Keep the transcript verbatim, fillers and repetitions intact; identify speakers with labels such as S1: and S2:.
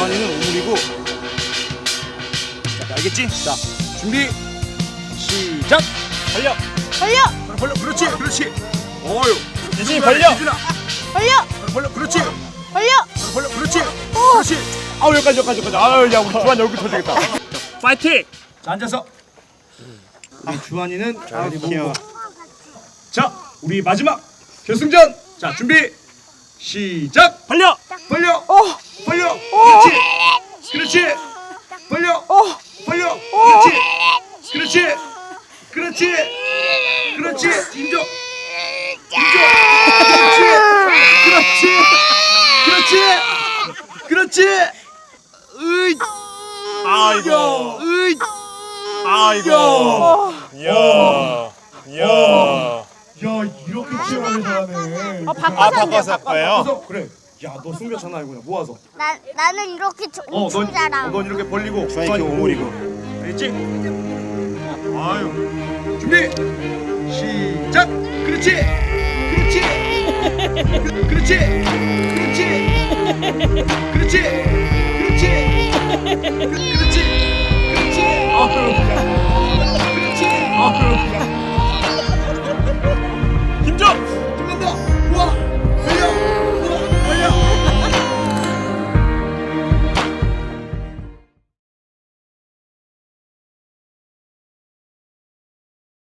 S1: 주환이는 우물이고. 자, 알겠지? 자, 준비 시작.
S2: 벌려.
S3: 벌려.
S1: 벌려. 그렇지, 그렇지. 어유.
S2: 유진이 벌려.
S1: 유진아.
S3: 벌려.
S1: 벌려. 그렇지.
S3: 벌려.
S1: 벌려. 그렇지. 그렇지. 아, 여기까지, 여기까지, 여기까지. 아, 야, 우리 주환이 얼굴 터지겠다.
S2: 파이팅.
S1: 자, 앉아서. 우리 주환이는 잘 보고. 자, 우리 마지막 결승전. 자, 준비 시작.
S2: 벌려.
S1: 벌려.
S3: 어.
S1: 벌려. 그렇지. 그렇지. 벌려.
S3: 어.
S1: 벌려. 그렇지. 그렇지. 그렇지. 그렇지. 인정. 인정. 그렇지. 그렇지. 그렇지. 으이.
S2: 아이고.
S1: 으이.
S2: 아이고. 이야. 이야.
S1: 야, 이렇게 치열하게 잘하네.
S3: 아, 바꿔서
S2: 아,
S3: 한대,
S2: 바꿔서 할 거예요?
S1: 그래서 그래. 야, 너 승벽 장난 아니구나. 모아서.
S3: 나 나는 이렇게
S1: 어, 넌,
S3: 엄청 잘함.
S1: 어, 넌 이렇게 벌리고
S2: 주환이 이렇게 오므리고.
S1: 알겠지? 아유. 준비. 시작. 그렇지. 그렇지. 그, 그렇지. 그렇지. 그렇지. 그렇지. 그, 그렇지. 그렇지. 아유. 그렇지. 아유.